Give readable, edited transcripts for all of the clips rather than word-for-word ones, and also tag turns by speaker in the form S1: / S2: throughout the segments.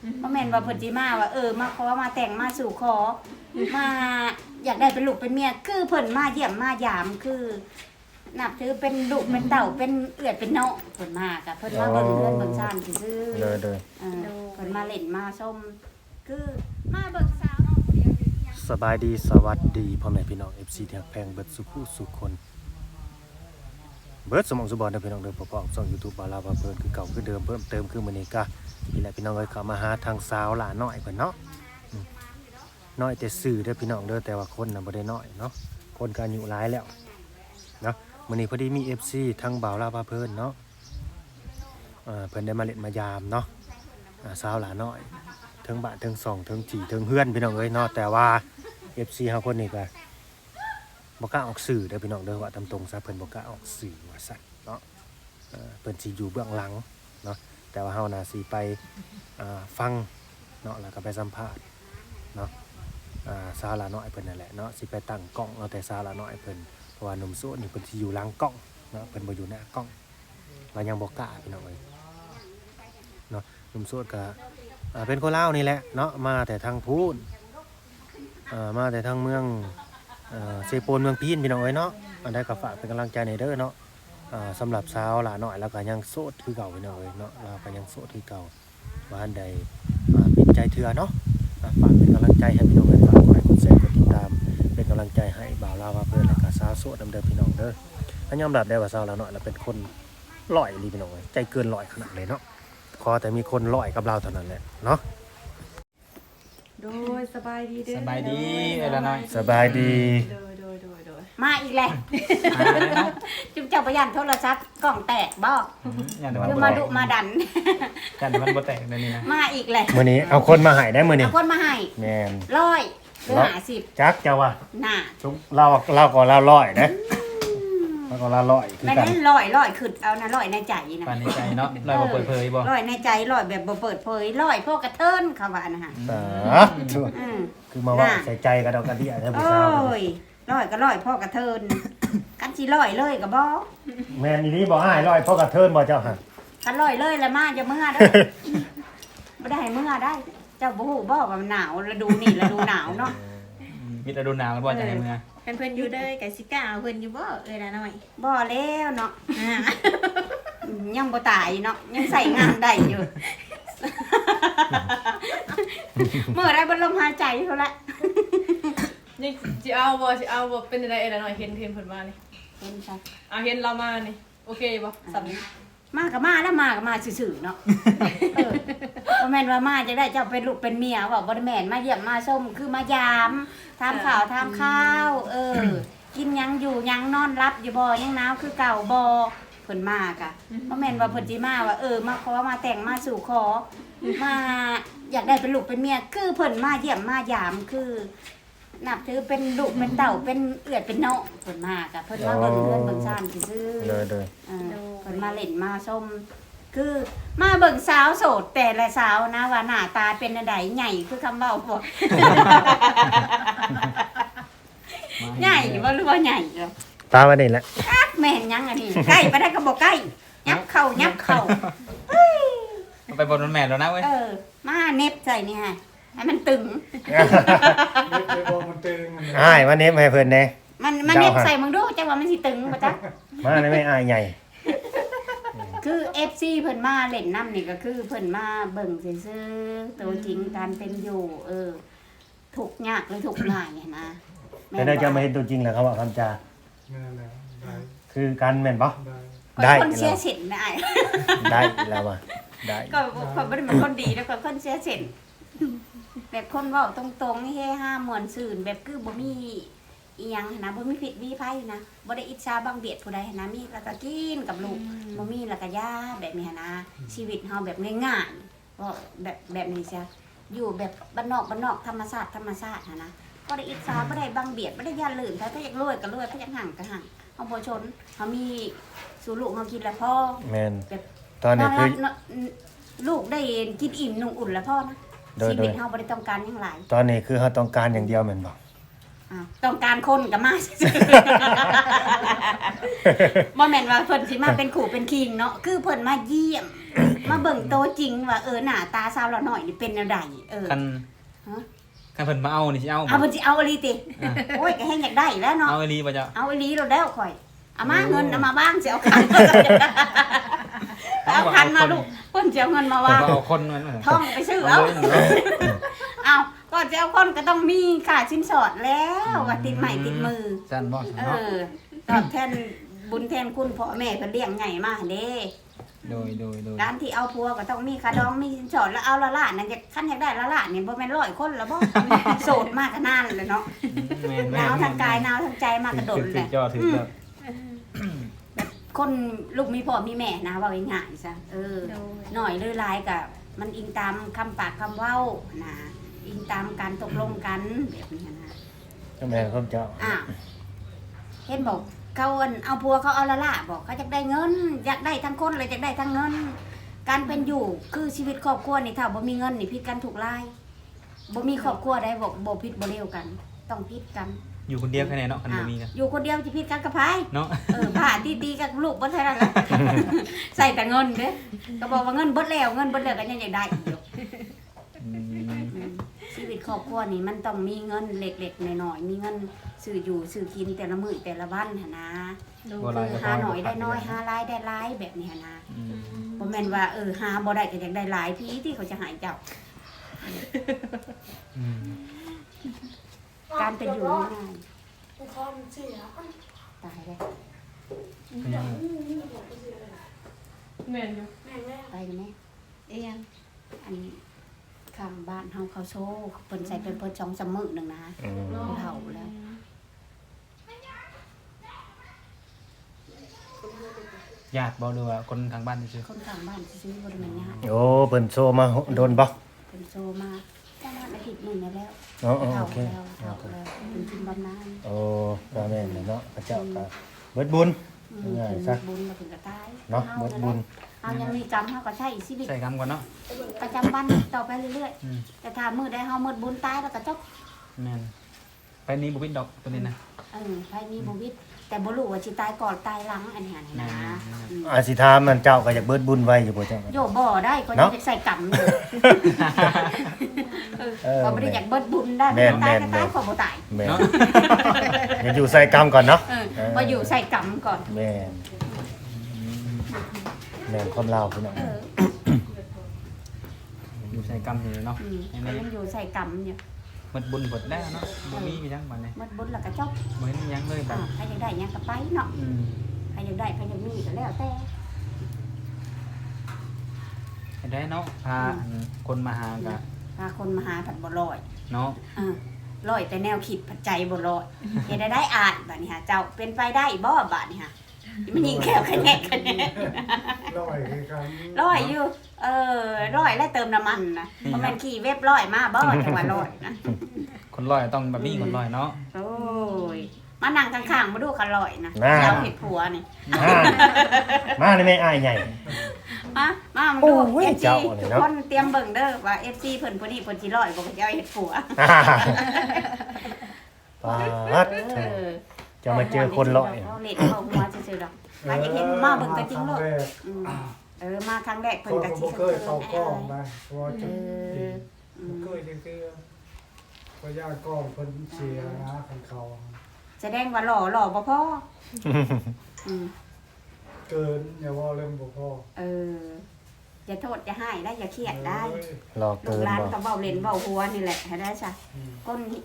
S1: บ่แม่นว่าเพิ่นสิมาว่ามาขอมาแต่งมาสู่ขอมาอยากได้เป็นลูกเป็นเมียคือเพิ่นมาเยี่ยมมายามคือนับถือเป็นลูกเป็นเต่าเป็นเอื้อยเป็นน้องเพิ่นมาก็เพิ่นมาเบิ่งเรือนเบิ่งซ่านซื่อๆ
S2: เลย
S1: เพิ่นมาเล่นมาชมคือมาเบิ่งสาวน้องเดียวอยู่ที่ยัง
S2: สบายดีสวัสดีพ่อแม่พี่น้อง FC ที่รักแพงเบิดสุขสุขคนเบิดสมองสุบอนเด้อพี่น้องเด้อพอๆช่อง YouTube บาลาว่าเพิ่นคือเก่าคือเดิมเพิ่มเติมคือมื้อนี้ก็นี่แหละพี่น้องเอ้ยเข้ามาหาทางสาวหลาน้อยเพิ่นเนาะน้อยแต่ซื่อเด้อพี่น้องเด้อแต่ว่าคนน่ะบ่ได้น้อยเนาะคนก็อายุหลายแล้วเนาะมื้อนี้พอดีมี FC ทางบ่าวลาว่าเพิ่นเนาะเพิ่นได้มาเล่นมายามเนาะสาวหลาน้อยเทิงบ้านเทิงซ่องเทิงจีเทิงเฮือนพี่น้องเอ้ยเนาะแต่ว่า FC เฮาคนนี้ก็บ่กล้าออกสื่อเด้อพี่น้องเด้อว่าตามตรงซะเพิ่นบ่กล้าออกสื่อว่าซั่นเนาะเพิ่นสิอยู่เบื้องหลังเนาะแต่ว่าเฮาน่ะสิไปฟังเนาะแล้วก็ไปสัมภาษณ์เนาะสาวละน้อยเพิ่นนั่นแหละเนาะสิไปตั้งกล้องเอาแต่สาวละน้อยเพิ่นเพราะว่าหนุ่มโสดนี่เพิ่นสิอยู่หลังกล้องเนาะเพิ่นบ่อยู่หน้ากล้องเรายังบ่กล้าพี่น้องเอ้ยเนาะหนุ่มโสดก็เป็นคนลาวนี่แหละเนาะมาแต่ทางพูนมาแต่ทางเมืองเซโปนเมืองพีนพี่น้องเอ้ยเนาะอันใดก็ฝากเป็นกำลังใจในเด้อเนาะสำหรับสาวหลาน้อยแล้วก็ยังโสดคือเก่าพี่น้องเอ้ยเนาะเราก็ยังโสดคือเก่าว่าอันใดเป็นใจเถื่อเนาะฝากเป็นกำลังใจให้พี่น้องเอ้ยฝากกดไลค์กดแชร์กดติดตามเป็นกำลังใจให้บ่าวลาวว่าเพิ่นแล้วก็สาวโสดนำเด้อพี่น้องเด้อถ้ายอมรับได้ว่าสาวหลาน้อยเราเป็นคนร้อยอีหลีพี่น้องเอ้ยใจเกินร้อยขนาดเลยเนาะขอแต่มีคนร้อยกับเราเท่านั้นแหละเนาะ
S3: โดยสบายดีเด้อ
S4: สบายดีเอ้ยละน้อย
S2: สบายดี
S3: โดย
S1: มาอีกแล้วจุ๊บเจ้าประหยัดโทรศัพท์กล่องแตกบ่
S4: อย่างแต่มัน
S1: คือ
S4: บ่
S1: มา
S4: แต
S1: ดุ
S4: ก
S1: มาดัน
S4: กันแต่มันบ่แตกเลยนี่นะ
S1: มาอีกแล้ว
S2: มื้อนี้เอาคนมาให้ได้มื้อนี้
S1: เอาคนมาให้
S2: แม่น
S1: 100หรือ50
S2: จักเจ้าว่า
S1: น่ะ
S2: ทุกเราก็เราร้อยนะเราก็เราร้อยคือ
S1: ไม่
S2: กั
S1: ได้
S2: น
S1: ร้อยขึ้นเอานะร้อยในใจนะ
S4: ปานในใจเนาะลอยบ่เปิดเผยบ่
S1: ร้อยในใจร้อยแบบบ่เปิดเผยร้อยพวกกระเทินเขาว่านะฮะ
S2: ชั่ว
S1: อืม
S2: คือมาว่าใส่ใจกระดอกกระเดี่ยได้ผู้
S1: โอ้
S2: สาวย
S1: ร้อยก็ร้อยพ่อกระเทินกันสิร้อยเลยก็บ่
S2: แม่นอีนี้บ่ให้ร้อยเพราะกระเทินบ่เจ้าหั่น
S1: กันร้อยเลยแล้วมาจะเมื่อเด้อบ่ได้ให้เมื่อได้ เจ้าบ่ฮู้บ่ว่ามันหนาวฤดูนี่ฤดูหนาวเนาะ
S4: มีแต่ดูหนาวแล้วบ่จะให้มือ
S3: เพิ่นอยู่เด้อไก่สิก้าเอาเพิ่นอยู่บ่เอ้ยละน้อย
S1: บ่แล้วเนาะยังบ่ตายเนาะยังใส่งานได้อยู่ เมื่อได้บ่ลมหายใจเท่าละ
S5: นี่สิเอาบ่เป็นอะไรเอ้ยละน้อยเห็นเพิ่นมานี่
S1: เห็นซะ
S5: เอาเห็นเรามานี่โอเคบ่สำนี้
S1: มาก็มาแล้วมาก็มาซื่อๆเนาะบ่แม่นว่ามาจะได้เจ้าเป็นลูกเป็นเมียว่าบ่ได้แม่นมาเยี่ยมมาชมคือมายามถามข่าวถามข้าวกินหยังอยู่หยังนอนรับอยู่บ่ยังหนาวคือเก่าบ่เพิ่นมากะบ่แม่นว่าเพิ่นสิมาว่ามาขอมาแต่งมาสู่ขอมาอยากได้เป็นลูกเป็นเมียคือเพิ่นมาเยี่ยมมายามคือนับถือเป็นลูกเป็นเต่าเป็นเอื้อยเป็นน้องเพิ่นมากะเพิ่นมาเบิ่งเรือนเบิ่งซ่านซื่อๆ
S2: เลย
S1: เพิ่นมาเล่นมาชมคือมาเบิ่งสาวโสดแต่ละสาวนะว่าหน้าตาเป็นอันใดใหญ่คือคำเว้าบ่ ใหญ่บ่หรือว่าใหญ่เหรอ
S2: ตาวันนี้แหละ
S1: แม่นยังอันนี้ใกล้ไปได้ก็บ่ใกล้ยับเข้า
S4: ไปบนมันแม่นแล้วนะเว้ย
S1: มาเน็บใส่นี่ฮะให้มันตึง
S2: อ้ายมาเน็บให้เพิ่นแน่
S1: มันเน็บใส่มึงดูจังว่ามันสิตึงบ่จ๊ะ
S2: มาได้ไม่อายใหญ่
S1: คือ FC เพิ่นมาเล่นน้ำนี่ก็คือเพิ่นมาเบิ่งซื่อๆตัวจริงการเป็นอยู่ทุกข์ยากหรือทุกข์ง่ายเนี่ยนะ
S2: แต่ได้จะมาเห็นตัวจริงแล้วเขาว่าคำจา
S6: ได้
S2: คือกันแม่นบ่
S6: ได้
S1: คนเสียสินได้
S2: ได้แล้วว่ะได้
S1: ก็คนบ่ได้เป็นคนดีแล้วก็คนเสียสินแบบคนเว้าตรงๆนี่เฮฮาม่วนซื่นแบบคือบ่มีอีหยังหั้นนะบ่มีผิดมีภัยนะบ่ได้อิจฉาบังเบียดผู้ใดหั้นนะมีแล้วก็กินกับลูกบ่มีแล้วก็ย่าแบบนี้หั้นนะชีวิตเฮาแบบง่ายๆว่าแบบนี้ซะอยู่แบบบ้านนอกธรรมชาติหั้นนะบ่ได้อิจฉาบ่ได้บังเบียดบ่ได้ย่าลื่นถ้าอยากรวยก็รวยถ้าอยากห่างก็ห่างเฮาบ่ชนเฮามีสู่ลูกเฮากินแล้วพอ
S2: แม่น
S1: แบบ
S2: ตอนนี้คือ
S1: ลูกได้กินอิ่มนุ่งอุ่นแล้วพ่อนะ
S2: โดย
S1: ชีวิตเฮาบ่ได้ต้องการหยังหลาย
S2: ตอนนี้คือเขาต้องการอย่างเดียวแม่นบ่
S1: อ้าวต้องการคนก็มาซื่อๆบ่แม่นว่าเพิ่นสิมาเป็นขู่เป็นคิงเนาะคือเพิ่นมาเยี่ยม มาเบิ่งโตจริงว่าหน้าตาสาวเราหน่อยนี่เป็นแนวใด
S4: คัน
S1: ฮะ
S4: คันเพิ่นมาเอานี่สิเอาบ่
S1: เอาเพิ่นสิเอาอีหลีติโอ้ยก็แฮงอยากได้แล้วเนาะ
S4: เอาอีหลีบ่เจ้า
S1: เอาอีหลีเราแล้วข่อยเอามาเงินเอามาบ้างสิเอาคันเอาคันมาลูกเพิ่นสิเอาเงินมา
S4: เพิ่น
S1: วาง
S4: ก็เอาคนมัน
S1: ท่องไปซื้อเอาเอาก็จะเอาคนก็ต้องมีค่าสินสอดแล้วว่าติดใหม่ติดมือ
S4: ซั่นบ่
S1: เอ
S4: เนาะ
S1: อตอบแทนบุญแทนคุณพ่อแม่เพิ่นเลี้ยงใหญ่มาเด้
S4: โดย
S1: การที่เอาผัวก็ต้องมีค่าดองมีสินสอดแล้วเอาละล้านนั่นจะคันอยากได้ละล้านนี่บ่แม่น100คนแล้วบ่ โสดมากก็นานเลยเนาะ
S4: แม่น
S1: หนาวทางกายหนาวทางใจมากกระโดด
S4: ถึ
S1: เล
S4: ก
S1: ย
S4: จอถึกแล้ว
S1: คนลูกมีพ่อมีแม่นะเว่าง่ายๆซะ
S3: โดย
S1: หน่อยหรือหลายก็มันอิงตามคำปากคำเว้านะอิงตามการตกลงกันแบบนี้นะ
S2: เจ้าแม่นเจ้า
S1: อ้าวเห็นบอกเขาเอาผัวเขาเอาละล่ะบอกเขาอยากได้เงิน อยากได้ทั้งคนเลยอยากได้ทั้งเงิน การเป็นอยู่คือชีวิตครอบครัวนี่ถ้าบ่มีเงินนี่ผิดกันถูกไล่บ่มีครอบครัวได้บอกบ่ผิดบ่เลวกัน ต้องผิดกัน
S4: อยู่คนเดียวแค่ไหนเนาะคันบ่มีกัน
S1: อยู่คนเดียวจะผิดกันกับไผ
S4: เนาะ
S1: ผ่าตีๆกับลูกบ่เท่านั้นแหละ ใส่แต่เงินเด้ก็บอกว่าเงินเบิดแล้วเงินเบิดแล้วก็ยังอยากได้อีกอยู่
S4: อืม
S1: ชีวิตครอบครัวนี่มันต้องมีเงินเล็กๆน้อยๆมีเงินซื้ออยู่ซื้อกินแต่ละมื้อแต่ละวันหั่นนะ
S4: บ่หลายก็
S1: หาหน่อยได้น้อยหาหลายได้หลายแบบนี้หั่นนะ
S4: อืม
S1: บ่แม่นว่าหาบ่ได้ก็อยากได้หลายพี่ที่เขาจะใหายเจ้า
S4: อืม
S1: การเป็นอยู่ง่าย
S5: คอมเสีย
S1: ๆตายแล้ว
S4: เป็นยังไง
S5: แม่นอยู่
S1: ไปกันแม่
S3: เอียง
S1: อันนี้ข้างบ้านเฮาเขาโชว์เพิ่นใส่เป็นเพิ่น2-3มื้อนึงนะ
S2: อืม
S1: เฒ่าแล้ว
S4: ญาติบ่หรือว่าคนทางบ้านซื่อ
S1: คนข้างบ้านซื้อบ่ได้แม่นญาติ
S2: โอ้เพิ่นโซมาโดนบ่
S1: เพิ่นโชว์มาประมาณอาทิตย์หนึงแล้ว
S2: อ๋อ
S1: เฒ่า
S2: โอเค
S1: แล้วเฒ่าแล้วเป็นทิมบำนาญ
S2: โอ้ก็แม่นเลยเนาะพระเจ้าก็เบิดบุญ ง่าย
S1: ถึง
S2: ซะ
S1: บุญมาถึงก็ตาย
S2: เนาะเบิดบุญ
S1: เฮายังมีกรรมเฮาก็ใช้ชีวิต
S4: ๆใส่คำก่อนเนาะ
S1: ประจำวันต่อไปเรื่อย
S4: อืม
S1: ๆแต่ถ้ามื้อใดเฮาหมดบุญตายแล้วก็จบ
S4: แม่นไปนี้บ่ปิดดอกตัวนี้นะ
S1: ไผมีบ่วิตแต่บ่รู้ว่าสิตายก่อนตายหลังอันนี้นะ
S2: อาสิถามมันเจ้าก็อยากเบิดบุญไว้อยู่บ่เจ้า
S1: โยบ่ได้คน
S2: เนาะ
S1: จะใส่กรรมอยู่
S2: เออ
S1: ก็บ่ได้อยากเบิดบุญได้
S2: แม่น
S1: ตายก็
S2: แม่
S1: ตาย
S2: น
S1: ก็บ่ตาย
S2: แม่นอย่าอยู่ใส่กรรมก่อนเนาะ
S1: พออยู่ใส่กรรมก่อน
S2: แม่นแม่นคนลาวพี่น้อง
S4: อยู่ใส่กรรมอยู่เนาะ
S1: ก็ยังอยู่ใส่กรรมอยู่
S4: หมดบุญหมดแล้วเนาะบ่มีอีหยังบัดนี้
S1: หมดบุญแล้วก็จบ
S4: บ่เห็นอีหยังเลยบัด
S1: ใครอยากได้หยังก็ไปเนาะ
S4: อืม
S1: ใครอยากได้ใครอยากมีก็แล้วแต่
S4: เห็นได้เนาะพาอันคนมาหาก็
S1: พาคนมาหาผัดบ่ลอย
S4: เนาะ
S1: ลอยแต่แนวคิดผัดใจบ่ลอยเฮ็ดได้อ่านบัดนี้ฮะเจ้าเป็นไปได้บ่บัดนี้ฮะมันยิงแขวคะแนนคะแนน
S6: ร้อยคือกัน
S1: ร้อยอยู่ร้อยแล้วเติมน้ำมันนะเพราะมันขี่เว็บร้อยมาบ่จังหวะร้อยนะ
S4: คนร้อยต้องแบบนี้คนร้อยเนาะ
S1: โอ้ยมานั่งข้างๆมาดูกันร้อยนะ
S2: น่า
S1: เจ้าเห็ดผัวนี่
S2: มานี่แม่อ้ายใหญ่
S1: มาดู
S2: โอ้ย
S1: FC
S2: เจ้านี่
S1: ทุก
S2: เนาะ
S1: คนเตรียมเบิ่งเด้อว่า FC เพิ่นผู้นี้เพิ่นสิร้อยบ่ก็จะเอาเห็ดผัว
S2: ปาด
S1: เออ
S2: จะมาเจอคนร้อย
S1: เอาเล็ดเข้าหัวซื่อๆดอกใครอยากเห็นมาเบิ่งตัวจริงโลด
S6: ครั้แรก
S1: อืมมาครั้งแรก
S6: เขา
S1: เพิ่นก็
S6: ก็
S1: สิ
S6: บ่เคยเข้ากล้องนะเพราะว่า
S1: เอ
S6: จะ
S1: อ
S6: บ่เคยเทื่อๆเพราะย่ากล้องเพิ่นเสียนะคันเขา
S1: แสดงว่าหล่อบ่พออืม
S6: เกินอย่าว่าเรื่องบ่พอ
S1: อย่าโทษอย่าให้ได้อย่าเครียดได้
S6: เอ้ย
S2: รอ
S1: ลู
S2: เกิ
S1: ก
S2: น
S1: หลาน
S2: บ่
S1: ก็เบาเล่นเบาหัวนี่แหละให้ได้จ้ะ
S6: อืม
S1: ก้นนี่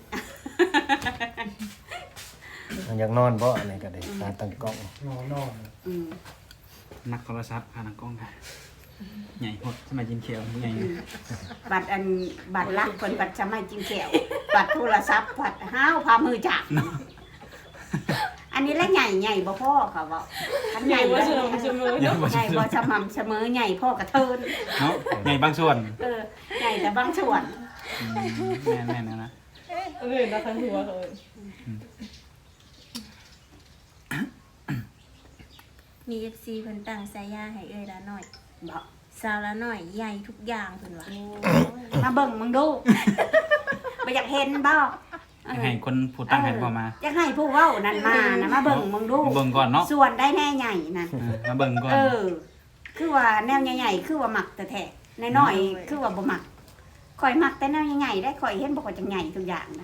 S2: อยากนอนบ่อันนี้ก็ได้ตาตั้งกล้อง
S6: นอน
S1: อืม
S4: นักโทรศัพท์ผ่านทางกล้องค่ะใหญ่หดสมัยจินเขียวใหญ่
S1: บัตรบัตรลักเพิ่นบัตรสมัยจิงแก้วบัตรโทรศัพท์บัตรห้าวพามือจับอันนี้แหละใหญ่บ่พ่อเขาบอกอันให
S5: ให
S1: ญ่
S5: ญ่
S1: บ่
S5: ว่า
S1: ให
S5: เส
S1: ญ่
S5: มอเสมอ
S4: ใหญ่
S5: เนาะ
S4: บ่
S1: บ่สม่ำเสมอใหญ่พ่อกระเทิน
S4: เนาะใหญ่บางส่วน
S1: ใหญ่แต่บางส่วน
S4: แม่นๆนะ
S5: เออนะทั้งหัวเลย
S3: มี FC เพิ่นตั้งฉายาให้เอ้ยละหน่อย
S1: บอก
S3: สาวละหน่อยใหญ่ทุกอย่างเพิ่นว่า
S1: มาเบิ่งมึงดู บ่อยากเห็นบ่
S4: ให้คนผู้ตั้งให้พ่อมา
S1: อยากให้ผู้เว้านั่นมานะมาเบิ่งมึงดู
S4: เบิ่งก่อนเนาะ
S1: ส่วนได้แน่ใหญ่นั่น
S4: มาเบิ่งก่อน
S1: คือว่าแนวใหญ่ๆคือว่ามักแต่แท้น้อยๆคือว่าบ่มักข่อยมักแต่แนวใหญ่ๆได้ข่อยเห็นบ่ข่อยจังใหญ่ทุกอย่างนะ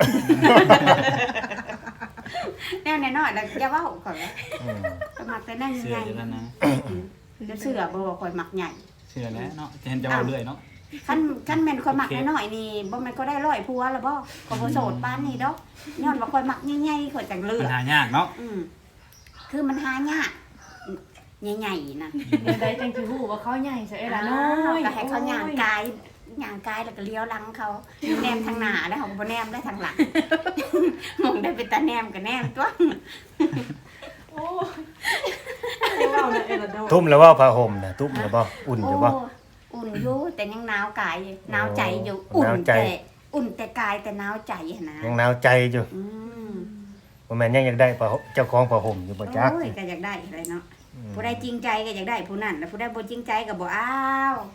S1: แนวน้อยๆแล้วอย่าเว้าข่อยว่า
S2: อืม
S1: ข่อยมักแต่แนว
S4: เสื้
S1: ให
S4: อ
S1: ญ่
S4: อยู่แล้วนะ
S1: ๆจะเชื่อบ่ว่าข่อยมักใหญ่
S4: เสื้อแล้วเนาะจะเห็นจะเอาเรื่อยเนาะ
S1: คันแม่นข่อยมักน้อยๆนี่บ่แม่นก็ได้ร้อยผัวแล้วบ่ข่อยบ่โสดปานนี้ดอกย้อนว่าข่อยมักใหญ่ๆข่อยจังเลื
S4: มั
S1: อน ก
S4: หายากเนาะ
S1: คือมันหายากใหญ่ๆน่ะ
S5: เดี๋ยวได้จังสิฮู้ว่าเขาใหญ่ซะเอ้ยล่ะน้อย
S1: ก็ให้เขาย่างกายแล้วก็เลี้ยวหลังเขาแนมทางหน้าแล้วเขาบ่แนมได้ทางหลัง มองได้เป็นตาแนมก็แนมตัว
S5: โอ้ยเว้าน่ะเอ้ยล่ะน้อย
S2: ทุ่มแล้วว่าผ้าห่มน่ะทุ่มแล้วบ่อุ่นอยู่บ่
S1: โอุ่นอยู่แต่ยังหนาวกายอยู่หนาวใจอยู่
S2: หนาวใจ
S1: อุ่นแต่กายแต่หนาวใจหั่นนะ
S2: ยังหนาวใจอยู่
S1: อืม
S2: บ่แม่นยังอยากได้ผ้าห่มเจ้าของผ้าห่มอยู่บ่จัก
S1: โอ้ยก็อยากได้เลยเนาะ
S2: อืม
S1: ผู้ใดจริงใจก็อยากได้ผู้นั้นแล้วผู้ใดบ่จริงใจก็บ่อ้าว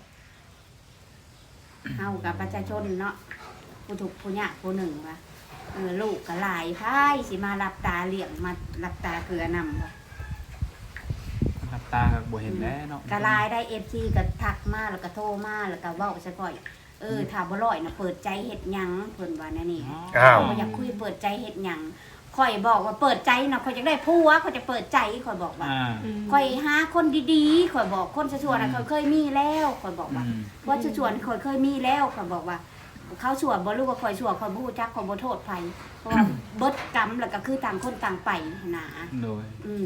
S1: เฮากับประชาชนเนาะผู้ทุกข์ผู้ยากผู้หนึ่งว่าลูกก็หลายพายสิมารับตาเลี้ยงมารับตาเกลือนำว่า
S4: รับตาก็บ่เห็นแล้วเนาะ
S1: ก็หลายได้ FC ก็ทักมาแล้วก็โทรมาแล้วก็เว้าซะก่อยถ้าบ่ร้อยน่ะเปิดใจเฮ็ดหยังเพิ่นว่าแน่นี่
S2: อ้าว
S1: บ่อยากคุยเปิดใจเฮ็ดหยังข่อยบอกว่าเปิดใจน่ะข่อยจะได้ผัวข่อยจะเปิดใจข่อยบอกว่า
S4: อ่า
S1: ข่อยหาคนดีๆข่อยบอกคนชั่วๆน่ะข่อยเคยมีแล้วข่อยบอกว่า
S4: อืม
S1: ว่าชั่วๆข่อยเคยมีแล้วข่อยบอกว่า เขาชั่วบ่รู้ว่าข่อยชั่วข่อยบ่ฮู้จักข่อยบ่โทษไผเพราะว่าเบิดกรรมแล้วก็คือต่างคนต่างไปหนา
S4: โดย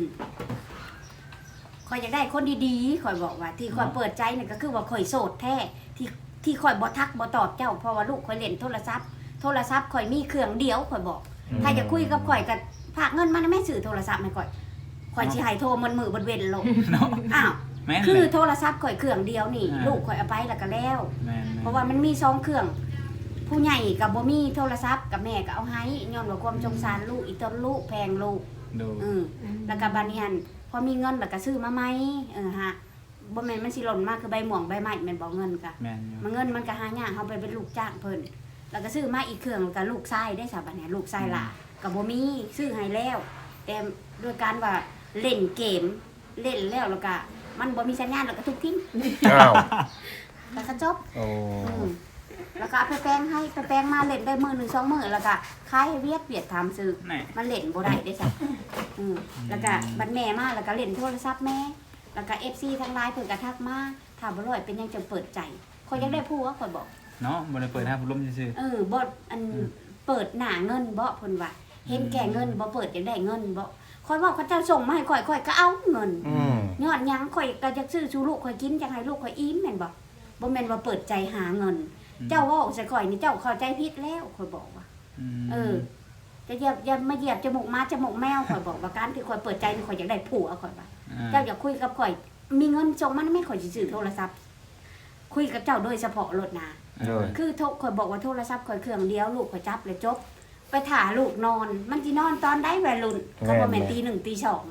S1: ข่อยอยากได้คนดีๆข่อยบอกว่า ที่ข่อยเปิดใจนี่ก็คือว่าข่อยโสดแท้ที่ข่อยบ่ทักบ่ตอบเจ้าเพราะว่าลูกข่อยเล่นโทรศัพท์ข่อยมีเครื่องเดียวข่อยบอก ถ้าจะคุยกับข่อยก็ฝากเงินมาให้แม่ซื้อโทรศัพท์ให้ข่อยสิให้โทรมันมือบนเว้นลง
S4: เนาะ
S1: อ้าว
S4: แม่น
S1: คื
S4: เล
S1: อย โทรศัพท์ข่อยเครื่องเดียวนี่
S4: อ่า
S1: ลูกข่อยเอาไปแล้วก็แล้ว
S4: แม่น
S1: เพราะว่ามันมี2เครื่อง ผู้ใหญ่กับบ่มีโทรศัพท์กับแม่ก็เอาให้ย้อนว่าความสงสารลูกอีต้นลูกแพงลูก
S4: โดย
S1: แล้วก็บัดนี้หั่นพอมีเงินแล้วก็ซื้อมาใหม่ฮะบ่แม่นมันสิหล่นมากคือใบหม่วงใบไม้แม่นบ่เงินก็
S4: แม่นอยู่
S1: มันเงินมันก็หายากเฮาไปเป็นลูกจ้างเพิ่นแล้วก็ซื้อมาอีกเครื่องแล้วก็ลูกชายได้ซะบัดนี้ลูกชายหล่ะก็บ่มีซื้อให้แล้ว แต่ด้วยการว่าเล่นเกมเล่นแล้วก็มันบ่มีสัญญาณแล้วก็ทุบทิ้ง
S2: อ้าว
S1: แล้วก็จบ
S2: โอ้
S1: แล้วก็เอาไปแปลงให้ไปแปลงมาเล่นได้มื้อหนึง2มื้อแล้วก็ขายให้เวียดถามซื้อ
S4: นี่
S1: มันเล่นบ่ได้ได้จ้ะแล้วก็บัดแม่มาแล้วก็เล่นโทรศัพท์แม่แล้วก็ FC ทั้งหลายเพิ่นก็ทักมาถามบ่ร้อยเป็นหยังจังเปิดใจข่อยอยากได้ผัวข่อยบอก
S4: เนาะบ่ได้เปิดให้ผู้ล้มซื่อ
S1: บ่อันเปิดหน้าเงินบ่เพิ่นว่าเห็นแก่เงินบ่เปิดอยากได้เงินบ่ข่อยว่าเขาเจ้าส่งมาให้ข่อยก็เอาเงิน
S2: อืม
S1: ย้อนหยังข่อยก็จะซื้อชูลูกข่อยกินอยากให้ลูกข่อยอิ่มแม่นบ่บ่แม่นว่าเปิดใจหาเงิน
S4: ๆ
S1: เจ้าเว้าใส่ข่อยนี่เจ้าเข้าใจผิดแล้วข่อยบอกว่า จะอย่ามาเหยียบจมูกม้าจมูกแมวข่อยบอกว่าการที่ข่อยเปิดใจนี่ข่อยอยากได้ผัวข่อยว่าเจ้าอยากคุยกับข่อย มีเงินส่งมาไม่ข่อยสิซื้อโทรศัพท์ คุยกับเจ้าโดยเฉพาะรถนา
S2: โดย
S1: คือข่อยบอกว่าโทรศัพท์ข่อยเครื่องเดียวลูกข่อยจับเลยจบ ไปถ่าลูกนอน มันสินอนตอนใดวัยรุ่นเขาบ่แม่นตี1ตี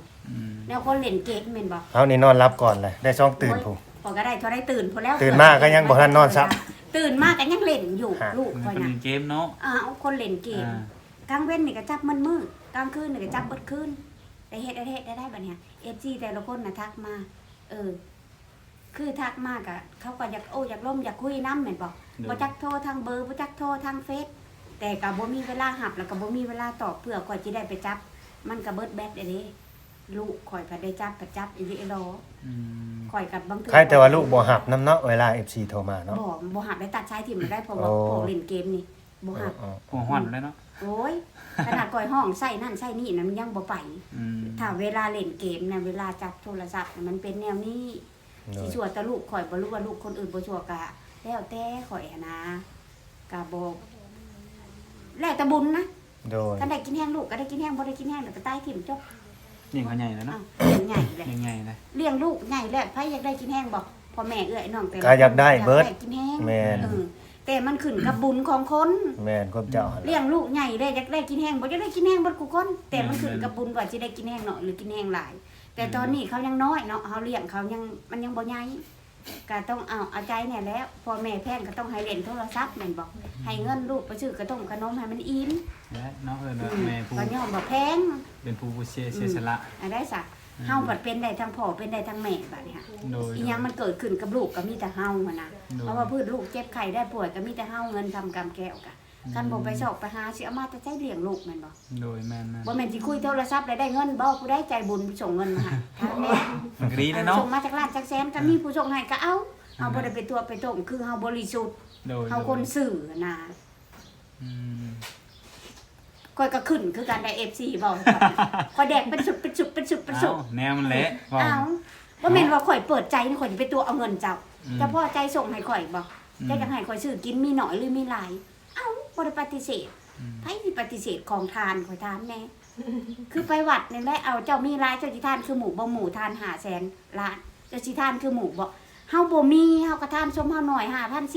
S1: 2แล้วคนเล่นเกมแม่นบ่
S2: เฮานี่นอนรับก่อนเลยได้ช่องตื่นผู้
S1: พอก็ได้เท่าได้ตื่นพอแล้ว
S2: ตื่นมาก็ยังบ่ทันนอนซับ
S1: ตื่นมาก็ยังเล่นอยู่
S2: ฮะ
S1: ลูก
S4: มัน
S1: ข่อย
S4: เป็น
S1: น่ะ
S4: เกมเนาะ
S1: คนเล่นเกม กลางเว้นนี่ก็จับมันมืดกลางคืนนี่ก็จับเบิดคืนได้เฮ็ดได้บัดเนี้ย FG แต่ละคนน่ะทักมา คือทักมากอะเขาก็อยากอยากล่มอยากคุยน้ำแม่นบ่บ่จักโทรทางเบอร์บ่จักโทรทางเฟซแต่ก็บ่มีเวลาหับแล้วก็บ่มีเวลาตอบเพื่อข่อยสิได้ไปจับ มันก็เบิดแบตเด้ลูกข่อยก็ได้จับก็จับอีหลีรอข่อยกับบางเทื่อ
S2: ใครแต่ว่าลูกบ่หับนํเนาะเวลา FC โทรมาเนาะ
S1: บ่หับได้ตัดสายถิ่มได้เพราะว่า
S2: โอ้
S1: พวกเล่นเกมนี่บ่หับ
S2: อ๋อ
S4: หัวฮ้อนเลยเนาะ
S1: โอ้ยขนาดก่อยห้องใส่นั่นใส่นี่นะมันยังบ่ไป ถ้าเวลาเล่นเกมนะเวลาจับโทรศัพท์น่ะมันเป็นแนวนี้
S2: โด
S1: สิ
S2: ย
S1: ชั่วแต่ลูกข่อยบ่รู้ว่าลูกคนอื่นบ่ชั่วกะแล้วแต่ข่อยอะนะกะบ่แล้วแต่บุญนะ
S2: โดย
S1: คันได้กินแห้งลูกก็ได้กินแห้งบ่ได้กินแห้งแล้วก็ตายถิ่มจบ
S4: นี่เขาใหญ่แล้วเนาะ
S1: อ้าวเลี้ยงใหญ่แหละ
S4: ยังไงเลย
S1: เลี้ยงลูกใหญ่แล้วไผอยากได้กินแห้งบ่พ่อแม่เอื้อยน้องแต่ละ
S2: ก็อยากได้เบิด
S1: อยากกินแห้ง
S2: แม่น
S1: แต่มันขึ้นกับบุญของคน
S2: แม่นความเจ้าหั่น
S1: เลี้
S2: ล่ะ
S1: ยงลูกใหญ่ได้อยากได้กินแห้งบ่อยากได้กินแห้งบ่ทุกคน แต่มันขึ้นกับบุญว่าสิได้กินแห้งน้อยหรือกินแห้งหลาย แต่ตอนนี้เขายังน้อยเนาะเฮาเลี้ยงเขายังมันยังบ่ใหญ่ก็ต้องเอาใจเนี่ยแหล้วพ่อแม่แพงก็ต้องให้เล่นโทรศัพท์แม่นบอกให้เงินลูกไปซื้อกระต้มขนมให้มันอิ่ม
S4: และน้องแม่ผู้
S1: ก็ย่อมบ่แพง
S4: เป็นผู้เสียสละ
S1: อันได้ซะเฮาบัดเป็นได้ทั้งพ่อเป็นได้ทั้งแม่บัดนี้ค่ะ
S4: โดย
S1: อีหยังมันเกิดขึ้นกับลูกก็มีแต่เฮาหั่นน่ะเพราะว่าพืชลูกเจ็บไข้ได้ป่วยก็มีแต่เฮาเงินทำกรรมแก้วกะคันบ่ไปสอกไปหาสิเอามาแต่ใจเลี้ยงลูกแม่นบ่
S4: โดยแม่น
S1: บ่แม่นสิคุยโทรศัพท์ได้เงินบ่ผู้ใดใจบุญส่งเงินมาให้ถามแม่
S4: มันก็ดีเลยเนาะ
S1: ส่งมาจากล้านจากแสนก็มีผู้ส่งให้ก็เอาเฮาบ่ได้ไปตัวไปต้มคือเฮาบริสุทธิ์
S4: โดย
S1: เฮาคนซื่อน่ะ
S4: อืม
S1: ข่อยก็ขึ้นคือกันได้ FC เว้าข่อยแดกเป็นสุดเป็นสุดเป็นสุดเป็นสุด
S4: แนวมันเละว่า
S1: เอาบ่แม่นว่าข่อยเปิดใจนี่ข่อยสิไปตัวเอาเงินเจ้าเจ้าพ่อใจส่งให้ข่อยบ่เจ้าจังให้ข่อยซื้อกินมีน้อยหรือมีหลายเอ้าบ่ได้ปฏิเสธไผสิปฏิเสธของทานข่อยถามแน่คือไปวัดนี่แหละเอาเจ้ามีหลายเจ้าสิทานคือหมู่บ่หมู่ทาน500,000ล้านเจ้าสิทานคือหมู่บ่เฮาบ่มีเฮาก็ทานสมเฮาหน่อย 5,000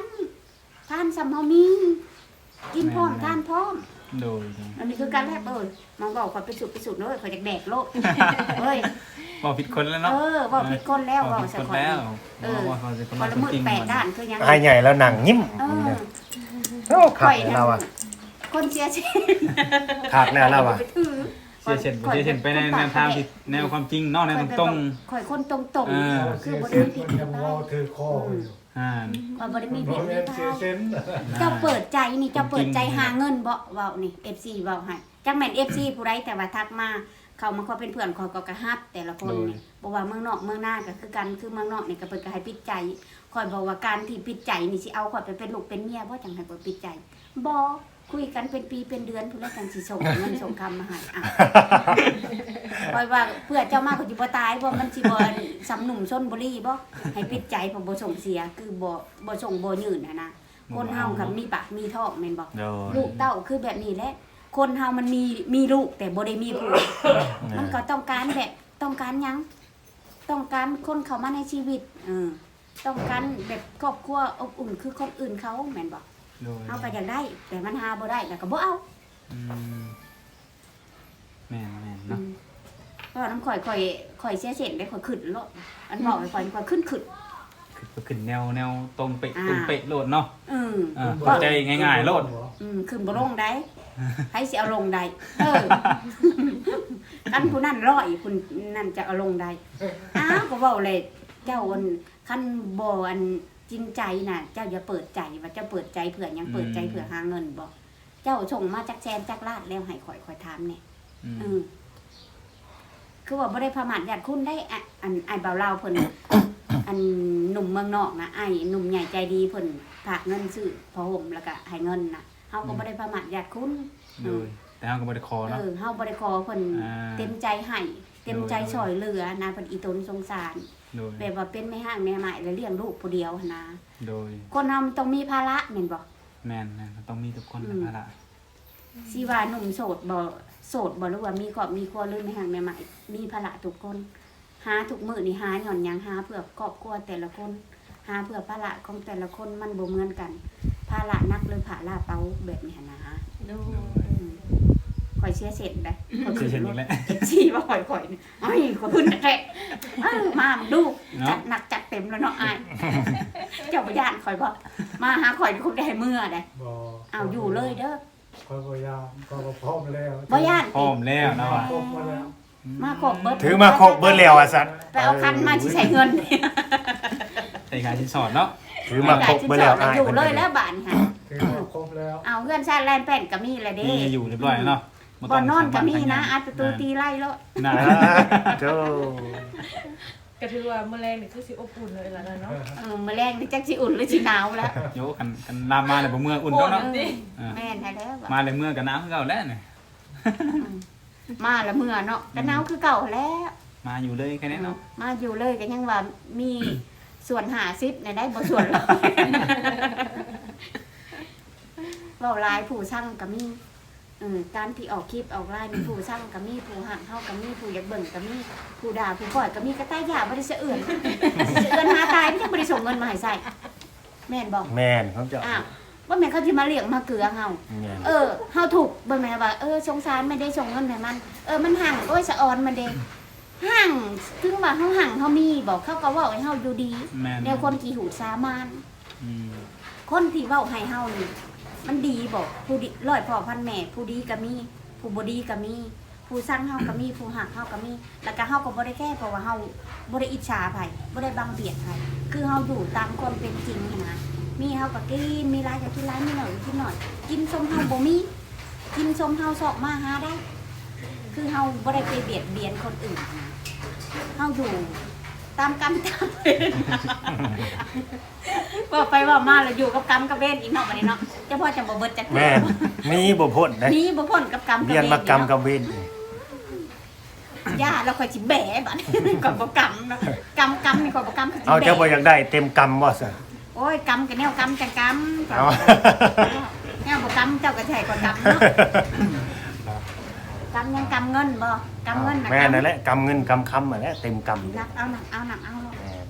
S1: 10,000ทานสำเฮามีกินพร้อมทานพร้อม
S4: โดย
S1: อันนี้คือการแลกมันบอกข่อยไปสุดเลยข่อยอยากแดกโลกเฮ้ย
S4: บอกผิดคนแล้วเนาะ
S1: บอกผิดคนแล้ว
S4: บ
S1: บ
S4: อ
S1: อก ก
S4: ผิด
S1: สะ
S4: คน
S1: ขอน
S4: แล้ว
S1: ค
S4: คน
S1: นละมืด8ด้านคือยัง
S2: อายใหญ่แล้วหนังยิ้ม
S1: เออ
S2: โอ้ขาดเราอ่ะ
S1: คนเสียชี
S2: ขาดแน่เราอ่ะ
S1: ไปถือ
S4: เสียเช่นไปในแนวทางที่แนวความจริงเนาะแนวตรง
S1: ข่อยคนตรง
S4: เออ
S1: ๆ
S6: เสี
S1: คือย บ่
S6: เส้
S1: ได้
S6: น
S1: มีผิด
S6: มันยังวอถือคออยู่
S4: ๆอ่า
S1: ข่อยบ่ได้มี
S6: บ่
S1: ผิด
S6: แม่
S1: มี
S6: นเสีย
S1: พลาด
S6: เส้น
S1: เจ้าเปิดใจนี่เจ้าเปิดใจหาเงินบ่เว้านี่ FC เว้าให้จักแม่น FC ผู้ใดแต่ว่าทักมาเขามาขอเป็นเพื่อนขอยก็กระฮับแต่ละคนนี่บ่ว่าเมืองนอกเมืองหน้าก็คือกันคือเมืองนอกนี่ก็เพิ่นก็ให้ปิดใจข่อยบอกว่าการที่ปิดใจนี่สิเอาข่อยไปเป็นลูกเป็นเมียบ่จังให้ข่อยปิดใจบ่คุยกันเป็นปีเป็นเดือนพุ่นแล้วกันสิส่งเงินส่งคำมาให้อ่ะข่อยว่าเพื่อเจ้ามาก็สิบ่ตายบ่มันสิบ่สำหนุ่มชนบุรีบ่ให้ปิดใจเพราะบ่ส่งเสียคือบ่ส่งบ่ยืนนะคนเฮากับมีปากมีท้องแม่นบ่
S4: โดย
S1: ลูกเต้าคือแบบนี้แหละ คนเฮามันมีลูกแต่บ่ได้มีผัว มันก็ต้องการแบบต้องการหยัง ต้องการคนเข้ามาในชีวิตต้องการแบบครอบครัวอบอุ่นคือคนอื่นเขาแม่นบ่
S4: โดย
S1: เฮาก็อยากได้ แต่มันหาบ่ได้แล้วก็บ่เอา
S4: อืมแม่นเนาะ
S1: เพราะว่าน้ำข่อยเสียเส้นได้ข่อยขึ้นโลดอันบอกไปข่อยขึ้น
S4: ขึ้นแนวตรงเป๊ะโลดเนาะ
S1: อืม
S4: เข้าใจง่ายๆโลด
S1: ขึ้นบ่ลงได้ให้สิเอาลงได้กันผู้นั้นร้อยผู้นั้นจะเอาลงได้อ้าวก็เว้าเลยเจ้าอันคันบ่อันจริงใจน่ะ เจ้าอย่าเปิดใจว่าเจ้าเปิดใจเผื่อหยังเปิดใจเผื่อหาเงินบ่เจ้าส่งมาจากแสนจากล้านแล้วให้ข่อยถามแน่คือว่าบ่ได้ประมาทญาติคุณได้อันไอ้เบาลาวเพิ่นอันหนุ่มเมืองนอกนะไอ้หนุ่มใหญ่ใจดีเพิ่นฝากเงินซื้อผ้าห่มแล้วก็ให้เงินน่ะเฮาก็บ่ได้ประมาทญาติคุณ
S4: โดยแต่เฮาก็บ่ได้ขอเนาะ
S1: เฮาบ่ได้ขอเพิ่นเต็มใจให้เต็มใจช่วยเหลือนะเพิ่นอีตนสงสาร
S4: โดย
S1: แบบว่าเป็นแม่ห้างแม่ใหม่แล้วเลี้ยงลูกผู้เดียวหั้นนะ
S4: โดย
S1: คนเฮามันต้องมีภาระแม่นบ่
S4: แม่นต้องมีทุกคนนะพะละ
S1: สิว่าหนุ่มโสดบ่หรือว่ามีครอบมีครัวหรือแม่ห้างแม่ใหม่มีภาระทุกคนหาทุกมื้อนี่หาหย่อนหยังหาเพื่อครอบครัวแต่ละคนหาเพื่อภาระของแต่ละคนมันบ่เหมือนกันภาระหนักหรือภาระเบาแบบนี้หั้นนะ
S3: โดย
S1: ข่อยเสียเสร็จได้ข่อย
S4: เสียเช่นอีกแล้ว
S1: ชี้ว่าข่อยนี่ไอ้ข่อยขึ้นแท้มามึงดูจัดหนักจัดเต็มแล้วเนาะอ้ายเจ้าบ่ย่านข่อยบ่มาหาข่อยคงได้เมื่อได้
S6: บ่
S1: เอาอยู่เลยเด้อ
S6: คอยบ่ยามก็พร้อมแล้ว
S1: บ่ย่าน
S4: พร้อมแล้วเนาะ
S6: พร้อมมาแล้ว
S1: มาขอบเบิด
S2: ถือมาโคกเบิดแล้วอ่ะสัตว์
S1: ไปเอาคันมาสิใช้เงิน
S4: ใส่การชิ้นสอดเนาะ
S2: ถือมาโคกเบิดแล้ว
S1: จ่าย
S2: อ้าย
S1: อยู่เลยแล้วบาดนี่ค่ะ
S6: ถือมาครบแล้ว
S1: เอาเงินชาติแลนแป้นก็มีแล้วเด้
S4: นี่อยู่เรียบร้อยแล้วเนาะ
S1: บ่นอนก็มีนะอัดประตูตีไล่แล้ว
S4: น่า
S2: โจ้
S5: ก็ถือว่ามื้อแรงนี่คือสิอบอุ่นเลยล่ะเนาะ
S1: มื้อแรงนี่จักสิอุ่นหรือสิหนาวแล้ว
S4: โยกันลามมาเลยบ่เมื่ออุ่นก็เนาะ
S1: แม่นแท้แล้ว
S4: มาเลยเมื่อกันน้ำคือเก่าแล้วเนี่ย
S1: มาแล้วเมื่อเนาะก็หนาวคือเก่าแล้ว
S4: มาอยู่เลยแค่นี้เนาะ
S1: มาอยู่เลยก็ยังว่ามีส่วน50เนี่ยได้บ่ส่วนร้อยเว้าหลายผู้สั่งก็มีการที่ออกคลิปออกไลน์มีผู้สั่งก็มีผู้หักเฮาก็มีผู้อยากเบิ่งก็มีผู้ด่าผู้ปล่อยก็มีกระต่ายยาบ่ได้สะเอื่นสะเอื่นหาตายมันยังบ่ได้ส่งเงินมาให้ใส่แม่นบ่
S2: แม่นเขาจะ
S1: อ้าวว่าแม่นเขาสิมาเลี้ยงมาเกลือเฮา
S2: แม่น
S1: เฮาถูกเบิ่งแม่นว่าสงสารไม่ได้ส่งเงินให้มันมันห่างโอ้ยสะออนมันเด้ห่างถึงว่าเฮาห่างเฮามีบอกเขาก็เว้าให้เฮาอยู่ดี
S4: แม่น
S1: แนวคนขี้หูสามาน
S4: อืม
S1: คนที่เว้าให้เฮานี่มันดีบอกผู้ดีร้อยพ่อพันแม่ผู้ดีก็มีผู้บ่ดีก็มีผู้สร้างเฮาก็มีผู้หักเฮาก็มีแล้วก็เฮาก็บ่ได้แก้เพราะว่าเฮาบ่ได้อิจฉาไผบ่ได้บังเบียดไผคือเฮาอยู่ตามความเป็นจริงนี่นะมีเฮาก็กินมีหลายก็กินหลายมีน้อยก็กินน้อยกินสมเฮาบ่มีกินสมเฮาสอกมาหาได้ คือเฮาบ่ได้ไปเบียดเบียนคนอื่นนะเฮาอยู่ตามกรรมตามเวรว่าไปว่ามาแล้วอยู่กับกรรมกับเวรอีกเนาะบัดนี้เนาะเจ้าพ่อจะบ่เบิดจัก
S2: แม่นมีบ่พ้นได้
S1: นี่บ่พ้นกับกรรมกับ
S2: เรียน
S1: เวร
S2: มากรรมกับเวร
S1: ย่าเราค่อยสิแบะบัดนี้ก่อนบ่กรรมเนาะกรรมนี่ก่อนบ่กรรมสิ
S2: เอาเจ้าบ่อยากได้เต็มกรรมว่าซั่น
S1: โอ้ยกรรมก็แนวกรรมจังกรรม
S2: เอา
S1: แนวบ่กรรมเจ้าก็ใช่ก่อนกรรมเนาะกรรมยังกรรมเงินบ่กรรมเงินน่ะ
S2: แม่นั่นแหละกำเงินกำคำนั่นแหละเต็มกำ
S1: นักเอาหนักเอาหนักเอาเนาะ
S2: แม่น